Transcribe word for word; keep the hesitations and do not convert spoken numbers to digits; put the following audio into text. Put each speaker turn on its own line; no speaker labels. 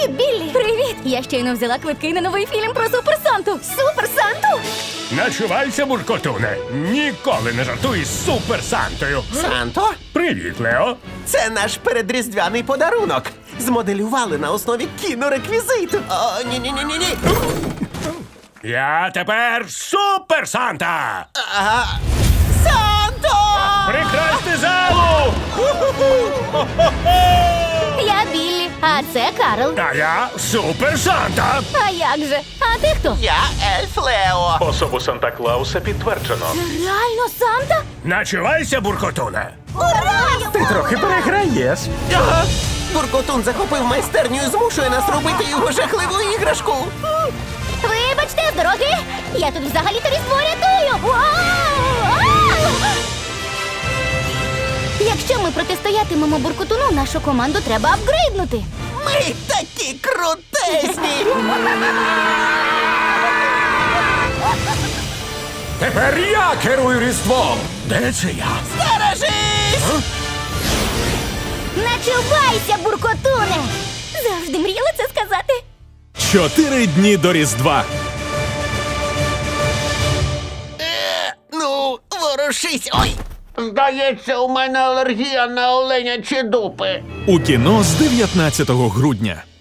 Привіт, Біллі! Привіт! Я щойно взяла квитки на новий фільм про Супер Санту. Супер Санту?
Начувайся, буркотуне. Ніколи не жартуй з Супер Сантою.
Санто,
Привіт, Лео.
це наш передріздвяний подарунок. Змоделювали на основі кінореквізиту. О, ні-ні-ні-ні-ні.
Я тепер Супер Санта.
Ага. Санто!
Прикрасти залу!
Я Біллі, а це Карл.
А я Супер Санта.
А як же? А ти хто?
Я ельф Лео.
Особу Санта-Клауса підтверджено.
Реально Санта?
Начувайся, буркотуне.
Ура!
Ти трохи переграєш.
Ага. Буркотун захопив майстерню і змушує нас робити його жахливу іграшку.
Вибачте, з дороги! Я тут взагалі-то різдво рятую! Вау! А! Якщо ми протистоятимемо буркотуну, нашу команду треба апгрейднути.
Ми такі крутесні!
Тепер я керую Різдвом.
Де це я?
Стережись!
Начувайся, буркотуне! Завжди мріяла це сказати.
Чотири дні до Різдва.
Ну, ворушись! Ой!
Здається, у мене алергія на оленячі дупи.
У кіно з дев'ятнадцятого грудня.